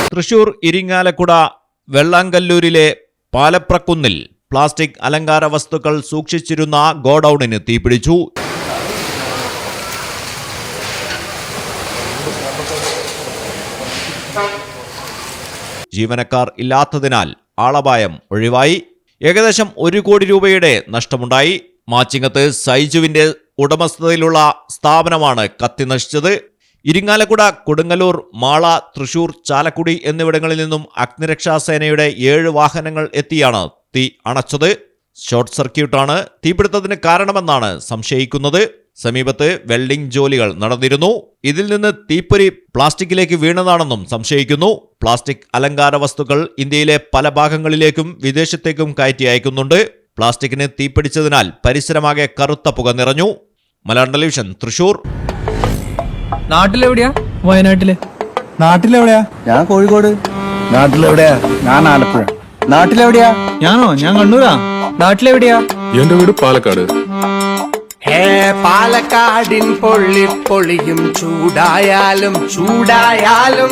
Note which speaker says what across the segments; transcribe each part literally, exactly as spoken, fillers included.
Speaker 1: തൃശൂർ ഇരിങ്ങാലക്കുട വെള്ളാങ്കല്ലൂരിലെ പാലപ്രക്കുന്നിൽ പ്ലാസ്റ്റിക് അലങ്കാര വസ്തുക്കൾ സൂക്ഷിച്ചിരുന്ന ഗോഡൌണിന് തീപിടിച്ചു. ജീവനക്കാർ ഇല്ലാത്തതിനാൽ ആളപായം ഒഴിവായി. ഏകദേശം ഒരു കോടി രൂപയുടെ നഷ്ടമുണ്ടായി. മാച്ചിങ്ങത്ത് സൈജുവിന്റെ ഉടമസ്ഥതയിലുള്ള സ്ഥാപനമാണ് കത്തി നശിച്ചത്. ഇരിങ്ങാലക്കുട, കൊടുങ്ങല്ലൂർ, മാള, തൃശൂർ, ചാലക്കുടി എന്നിവിടങ്ങളിൽ നിന്നും അഗ്നിരക്ഷാസേനയുടെ ഏഴ് വാഹനങ്ങൾ എത്തിയാണ് തീ അണച്ചത്. ഷോർട്ട് സർക്യൂട്ടാണ് തീപിടുത്തത്തിന് കാരണമെന്നാണ് സംശയിക്കുന്നത്. സമീപത്ത് വെൽഡിംഗ് ജോലികൾ നടന്നിരുന്നു. ഇതിൽ നിന്ന് തീപ്പൊരി പ്ലാസ്റ്റിക്കിലേക്ക് വീണതാണെന്നും സംശയിക്കുന്നു. പ്ലാസ്റ്റിക് അലങ്കാര വസ്തുക്കൾ ഇന്ത്യയിലെ പല ഭാഗങ്ങളിലേക്കും വിദേശത്തേക്കും കയറ്റി അയക്കുന്നുണ്ട്. പ്ലാസ്റ്റിക്കിന് തീപിടിച്ചതിനാൽ പരിസരമാകെ കറുത്ത പുക നിറഞ്ഞു. മലയാളം ടെലിവിഷൻ, തൃശൂർ.
Speaker 2: നാട്ടിലെവിടെയാ? വയനാട്ടില്.
Speaker 3: നാട്ടിലെവിടെയാ? ഞാൻ കോഴിക്കോട്. നാട്ടിലെവിടെയാ? ഞാൻ ആലപ്പുഴ. നാട്ടിലെവിടെയാ?
Speaker 2: ഞാനോ? ഞാൻ കണ്ണൂരാ. നാട്ടിലെവിടെയാ?
Speaker 4: എന്റെ വീട് പാലക്കാട്.
Speaker 5: ഹേ പാലക്കാടിൻ പൊള്ളി പൊളിയും ചൂടായാലും ചൂടായാലും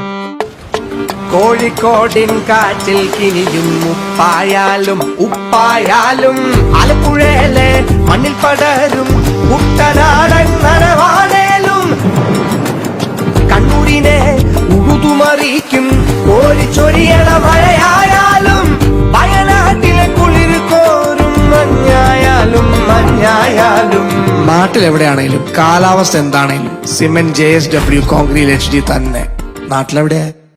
Speaker 5: കോഴിക്കോടിൻ കാറ്റിൽ കിനിയും ഉപ്പായാലും ഉപ്പായാലും ആലപ്പുഴയിലെ മണ്ണിൽ പടരും കുട്ടനാടൻ നനവാണേലും കണ്ണൂരിനെ ഉഴുതുമറിയിക്കും കോരിച്ചൊരിയണ മഴയായാലും വയനാട്ടിലെ കുളിർ കോരും മഞ്ഞായാലും മഞ്ഞായാലും നാട്ടിലെവിടെയാണേലും കാലാവസ്ഥ എന്താണേലും cement J S W concrete H D തന്നെ. നാട്ടിലെവിടെയാ?